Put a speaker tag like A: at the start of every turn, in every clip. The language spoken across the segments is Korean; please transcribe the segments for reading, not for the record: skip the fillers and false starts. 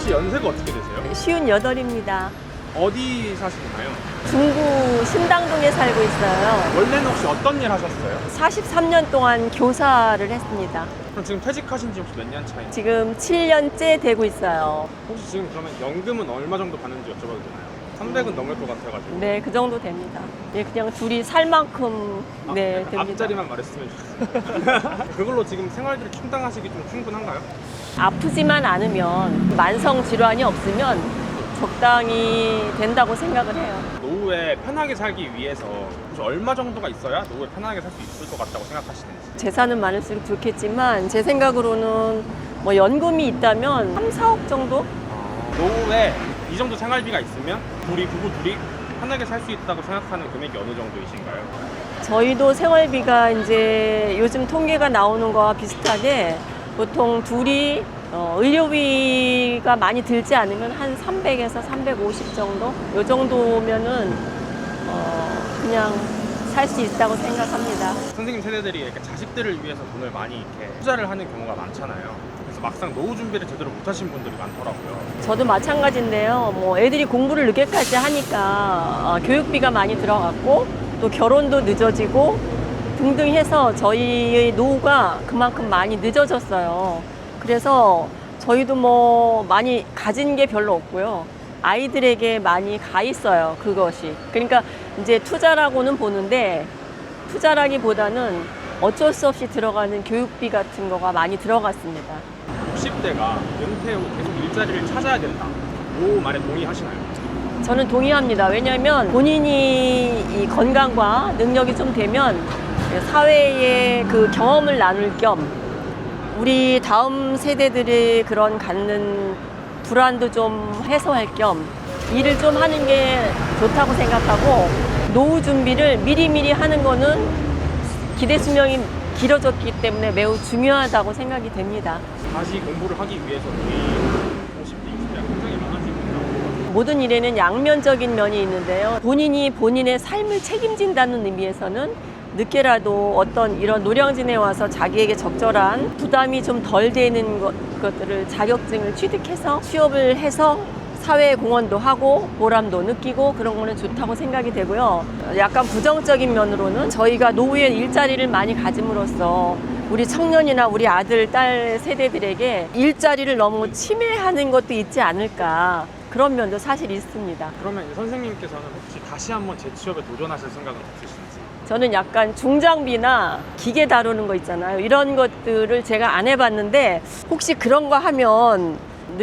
A: 혹시 연세가 어떻게 되세요?
B: 58입니다.
A: 어디 사시나요?
B: 중구 신당동에 살고 있어요.
A: 원래는 혹시 어떤 일 하셨어요?
B: 43년 동안 교사를 했습니다.
A: 그럼 지금 퇴직하신 지 혹시 몇 년 차인지?
B: 지금 7년째 되고 있어요.
A: 혹시 지금 그러면 연금은 얼마 정도 받는지 여쭤봐도 되나요? 300은 넘을 것 같아가지고.
B: 네, 그 정도 됩니다. 예, 그냥 둘이 살 만큼 네,
A: 약간
B: 됩니다.
A: 앞자리만 말했으면 좋겠어요. 그걸로 지금 생활비를 충당하시기 좀 충분한가요?
B: 아프지만 않으면 만성 질환이 없으면 적당히 된다고 생각을 해요.
A: 노후에 편하게 살기 위해서 혹시 얼마 정도가 있어야 노후에 편하게 살 수 있을 것 같다고 생각하시는지?
B: 재산은 많을수록 좋겠지만 제 생각으로는 뭐 연금이 있다면 3, 4억 정도?
A: 노후에 이 정도 생활비가 있으면 부부 둘이 편하게 살 수 있다고 생각하는 금액이 어느 정도이신가요?
B: 저희도 생활비가 이제 요즘 통계가 나오는 거와 비슷하게 보통 둘이 의료비가 많이 들지 않으면 한 300에서 350 정도? 요 정도면은 그냥 살 수 있다고 생각합니다.
A: 선생님 세대들이 이렇게 자식들을 위해서 돈을 많이 이렇게 투자를 하는 경우가 많잖아요. 그래서 막상 노후 준비를 제대로 못 하신 분들이 많더라고요.
B: 저도 마찬가지인데요. 뭐 애들이 공부를 늦게까지 하니까 교육비가 많이 들어갔고 또 결혼도 늦어지고 등등 해서 저희의 노후가 그만큼 많이 늦어졌어요. 그래서 저희도 뭐 많이 가진 게 별로 없고요. 아이들에게 많이 가 있어요, 그것이. 그러니까 이제 투자라고는 보는데 투자라기보다는 어쩔 수 없이 들어가는 교육비 같은 거가 많이 들어갔습니다.
A: 60대가 은퇴 후 계속 일자리를 찾아야 된다. 이 말에 동의하시나요?
B: 저는 동의합니다. 왜냐하면 본인이 이 건강과 능력이 좀 되면 사회에 그 경험을 나눌 겸 우리 다음 세대들의 그런 갖는 불안도 좀 해소할 겸 일을 좀 하는 게 좋다고 생각하고 노후 준비를 미리미리 하는 거는 기대 수명이 길어졌기 때문에 매우 중요하다고 생각이 됩니다.
A: 다시 공부를 하기 위해서 우리 50대, 60대가 굉장히 많아지고
B: 모든 일에는 양면적인 면이 있는데요. 본인이 본인의 삶을 책임진다는 의미에서는 늦게라도 어떤 이런 노량진에 와서 자기에게 적절한 부담이 좀 덜 되는 것들을 자격증을 취득해서 취업을 해서 사회에 공헌도 하고 보람도 느끼고 그런 거는 좋다고 생각이 되고요. 약간 부정적인 면으로는 저희가 노후에 일자리를 많이 가짐으로써 우리 청년이나 우리 아들, 딸 세대들에게 일자리를 너무 침해하는 것도 있지 않을까 그런 면도 사실 있습니다.
A: 그러면 이제 선생님께서는 혹시 다시 한번 재취업에 도전하실 생각은 없으신지?
B: 저는 약간 중장비나 기계 다루는 거 있잖아요. 이런 것들을 제가 안 해봤는데 혹시 그런 거 하면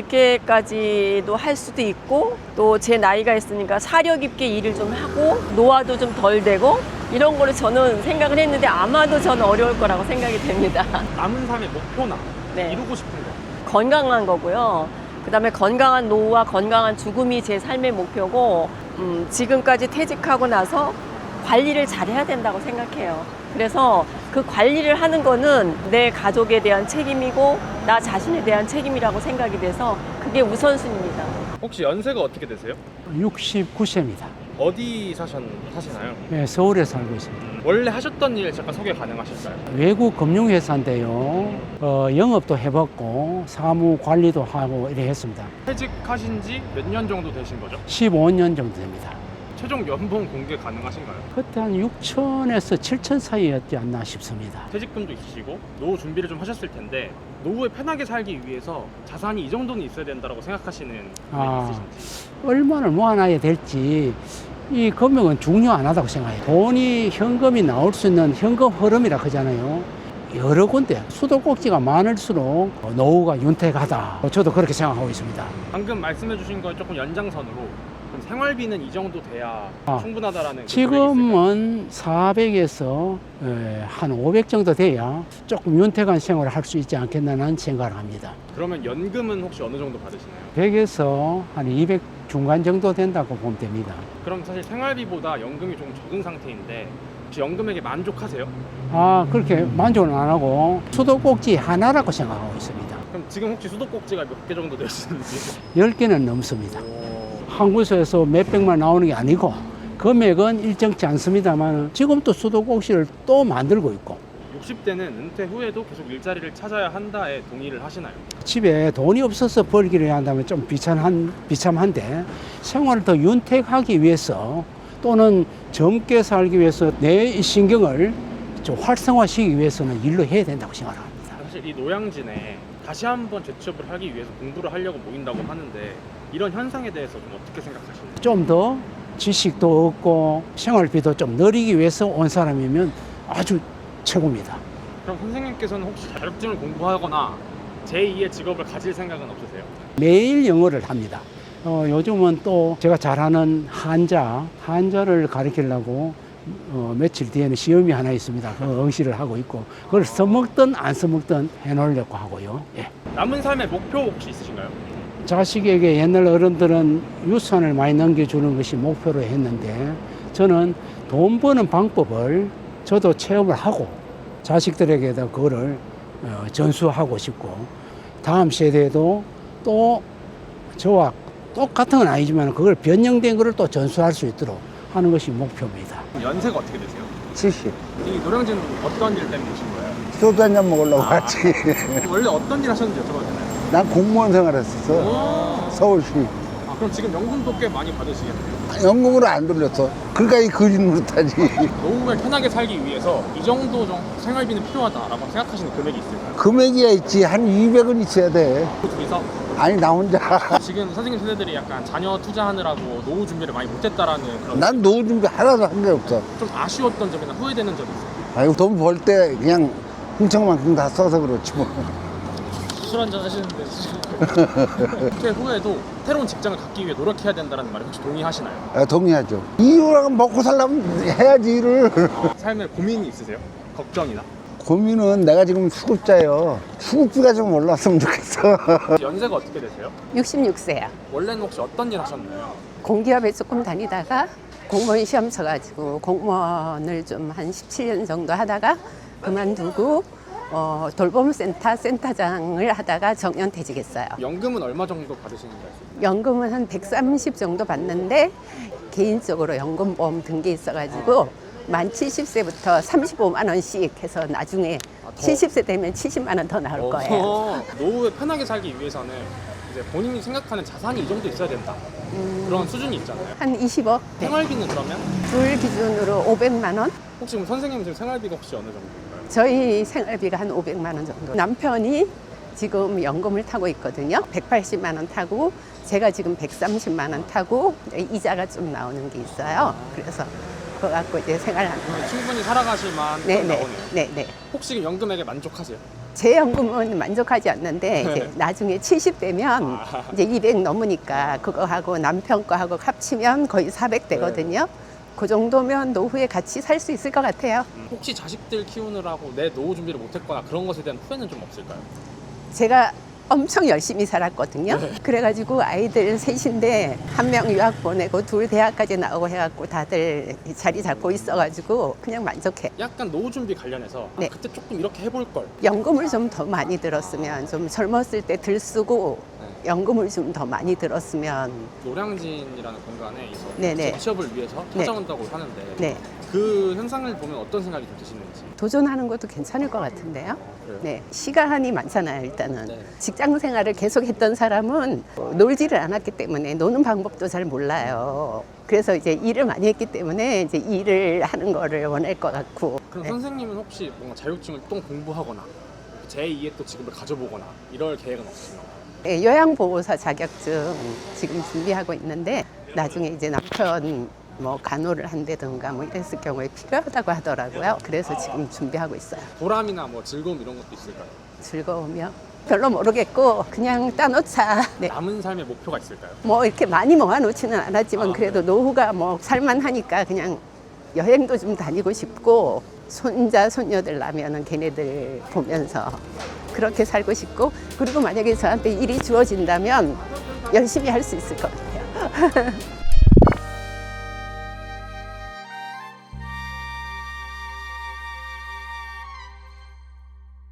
B: 늦게까지도 할 수도 있고 또 제 나이가 있으니까 사력 있게 일을 좀 하고 노화도 좀 덜 되고 이런 거를 저는 생각을 했는데 아마도 저는 어려울 거라고 생각이 됩니다.
A: 남은 삶의 목표나
B: 네.
A: 이루고 싶은 거.
B: 건강한 거고요. 그다음에 건강한 노후와 건강한 죽음이 제 삶의 목표고 지금까지 퇴직하고 나서 관리를 잘해야 된다고 생각해요. 그래서 그 관리를 하는 거는 내 가족에 대한 책임이고 나 자신에 대한 책임이라고 생각이 돼서 그게 우선순위입니다.
A: 혹시 연세가 어떻게 되세요?
C: 69세입니다.
A: 어디 사시나요?
C: 네, 서울에 살고 있습니다.
A: 원래 하셨던 일 잠깐 소개 가능하실까요?
C: 외국 금융회사인데요. 영업도 해봤고 사무 관리도 하고 이래 했습니다.
A: 퇴직하신 지 몇 년 정도 되신 거죠?
C: 15년 정도 됩니다.
A: 최종 연봉 공개 가능하신가요?
C: 그때 한 6천에서 7천 사이였지 않나 싶습니다.
A: 퇴직금도 있으시고 노후 준비를 좀 하셨을 텐데 노후에 편하게 살기 위해서 자산이 이 정도는 있어야 된다고 생각하시는 금액이 있으신지?
C: 얼마나 모아놔야 될지 이 금액은 중요 안 하다고 생각해요. 돈이 현금이 나올 수 있는 현금 흐름이라 하잖아요. 여러 군데 수도꼭지가 많을수록 노후가 윤택하다. 저도 그렇게 생각하고 있습니다.
A: 방금 말씀해 주신 거에 조금 연장선으로 그럼 생활비는 이 정도 돼야 충분하다라는
C: 지금은 400에서 한 500 정도 돼야 조금 윤택한 생활을 할 수 있지 않겠나는 생각을 합니다.
A: 그러면 연금은 혹시 어느 정도 받으시나요?
C: 100에서 한 200 중간 정도 된다고 보면 됩니다.
A: 그럼 사실 생활비보다 연금이 좀 적은 상태인데 혹시 연금액에 만족하세요?
C: 그렇게 만족은 안 하고 수도꼭지 하나라고 생각하고 있습니다.
A: 그럼 지금 혹시 수도꼭지가 몇 개 정도 되시는지?
C: 10개는 넘습니다. 한 곳에서 몇백만 나오는 게 아니고 금액은 일정치 않습니다만 지금 또 수도꼭지를 또 만들고 있고
A: 60대는 은퇴 후에도 계속 일자리를 찾아야 한다에 동의를 하시나요?
C: 집에 돈이 없어서 벌기를 해야 한다면 좀 비참한데 생활을 더 윤택하기 위해서 또는 젊게 살기 위해서 내 신경을 좀 활성화시키기 위해서는 일로 해야 된다고 생각합니다.
A: 사실 이 노량진에 다시 한번 재취업을 하기 위해서 공부를 하려고 모인다고 하는데 이런 현상에 대해서 좀 어떻게 생각하시나요?
C: 좀 더 지식도 얻고 생활비도 좀 늘리기 위해서 온 사람이면 아주 최고입니다.
A: 그럼 선생님께서는 혹시 자격증을 공부하거나 제2의 직업을 가질 생각은 없으세요?
C: 매일 영어를 합니다. 요즘은 또 제가 잘하는 한자를 가르치려고 며칠 뒤에는 시험이 하나 있습니다. 그 응시를 하고 있고 그걸 써먹든 안 써먹든 해놓으려고 하고요. 예.
A: 남은 삶의 목표 혹시 있으신가요?
C: 자식에게 옛날 어른들은 유산을 많이 넘겨주는 것이 목표로 했는데 저는 돈 버는 방법을 저도 체험을 하고 자식들에게도 그거를 전수하고 싶고 다음 세대에도 또 저와 똑같은 건 아니지만 그걸 변형된 것을 또 전수할 수 있도록 하는 것이 목표입니다.
A: 연세가 어떻게 되세요?
D: 70.
A: 이 노량진 어떤 일 때문에 오신 거예요?
D: 소주 한잔 먹으려고
A: 아.
D: 왔지.
A: 원래 어떤 일 하셨는지 여쭤봐도 되나요?
D: 난 공무원 생활했었어. 서울시.
A: 아, 그럼 지금 연금도 꽤 많이 받으시겠네요.
D: 연금으로 안 돌렸어. 그러니까 이 거짓 노릇하지.
A: 노후에 편하게 살기 위해서 이 정도 생활비는 필요하다라고 생각하시는 금액이 있을까요?
D: 금액이야 있지. 한 200은 있어야 돼.
A: 둘이서
D: 아니, 나 혼자.
A: 지금 선생님 세대들이 약간 자녀 투자하느라고 노후 준비를 많이 못했다라는 그런
D: 난 노후 준비 하나도 한 게 없어.
A: 좀 아쉬웠던 점이나 후회되는 점이 있어요.
D: 아이고, 돈 벌 때 그냥 흥청만큼 다 써서 그렇지 뭐.
A: 술 한잔 하시는데 은퇴 후에도 새로운 직장을 갖기 위해 노력해야 된다는 말에 혹시 동의하시나요?
D: 동의하죠. 이유랑 먹고 살려면 해야지, 일을.
A: 삶에 고민이 있으세요? 걱정이나?
D: 고민은 내가 지금 수급자예요. 수급비가 좀 올랐으면 좋겠어.
A: 연세가 어떻게 되세요?
E: 66세야.
A: 원래는 혹시 어떤 일 하셨나요?
E: 공기업에 조금 다니다가 공무원 시험 쳐가지고 공무원을 좀 한 17년 정도 하다가 그만두고 돌봄센터 센터장을 하다가 정년퇴직했어요.
A: 연금은 얼마 정도 받으시는지 아세요?
E: 연금은 한 130 정도 받는데 개인적으로 연금보험 등기 있어가지고 만 70세부터 35만 원씩 해서 나중에
A: 더?
E: 70세 되면 70만 원 더 나올 거예요.
A: 노후에 편하게 살기 위해서는 이제 본인이 생각하는 자산이 이 정도 있어야 된다. 그런 수준이 있잖아요.
E: 한 20억. 네.
A: 생활비는 그러면
E: 둘 기준으로 500만 원.
A: 혹시 그럼 선생님 지금 생활비가 혹시 어느 정도인가요?
E: 저희 생활비가 한 500만 원 정도. 남편이 지금 연금을 타고 있거든요. 180만 원 타고 제가 지금 130만 원 타고 이자가 좀 나오는 게 있어요. 그래서 그거 갖고 이제 생활하는 거예요.
A: 충분히 살아가실 만큼 나오네요.
E: 네네.
A: 혹시 연금액에 만족하세요?
E: 제 연금은 만족하지 않는데 이제 나중에 70 되면 이제 200 넘으니까 그거 하고 남편 거 하고 합치면 거의 400 되거든요. 그 정도면 노후에 같이 살 수 있을 것 같아요.
A: 혹시 자식들 키우느라고 내 노후 준비를 못했거나 그런 것에 대한 후회는 좀 없을까요?
E: 제가 엄청 열심히 살았거든요. 그래가지고 아이들 셋인데 한 명 유학 보내고 둘 대학까지 나오고 해갖고 다들 자리 잡고 있어가지고 그냥 만족해.
A: 약간 노후 준비 관련해서
E: 네.
A: 그때 조금 이렇게 해볼 걸.
E: 연금을 좀 더 많이 들었으면 좀 젊었을 때 들 쓰고 연금을 좀 더 많이 들었으면
A: 노량진이라는 공간에
E: 네네.
A: 취업을 위해서
E: 네.
A: 찾아온다고 하는데
E: 네.
A: 그 현상을 보면 어떤 생각이 좀 드시는지.
E: 도전하는 것도 괜찮을 것 같은데요.
A: 그래요?
E: 네, 시간이 많잖아요. 일단은
A: 네.
E: 직장 생활을 계속했던 사람은 놀지를 않았기 때문에 노는 방법도 잘 몰라요. 그래서 이제 일을 많이 했기 때문에 이제 일을 하는 거를 원할 것 같고.
A: 그럼
E: 네.
A: 선생님은 혹시 뭔가 자격증을 또 공부하거나 제2의 또 직업을 가져보거나 이럴 계획은 없으신가요?
E: 네, 요양보호사 자격증 지금 준비하고 있는데 나중에 이제 남편 뭐 간호를 한다든가 뭐 이랬을 경우에 필요하다고 하더라고요. 그래서 지금 준비하고 있어요.
A: 보람이나 뭐 즐거움 이런 것도 있을까요?
E: 즐거우며 별로 모르겠고 그냥 따놓자. 네.
A: 남은 삶의 목표가 있을까요?
E: 뭐 이렇게 많이 모아놓지는 않았지만 그래도 노후가 뭐 살만하니까 그냥 여행도 좀 다니고 싶고 손자 손녀들 나면은 걔네들 보면서 그렇게 살고 싶고 그리고 만약에 저한테 일이 주어진다면 열심히 할 수 있을 것 같아요.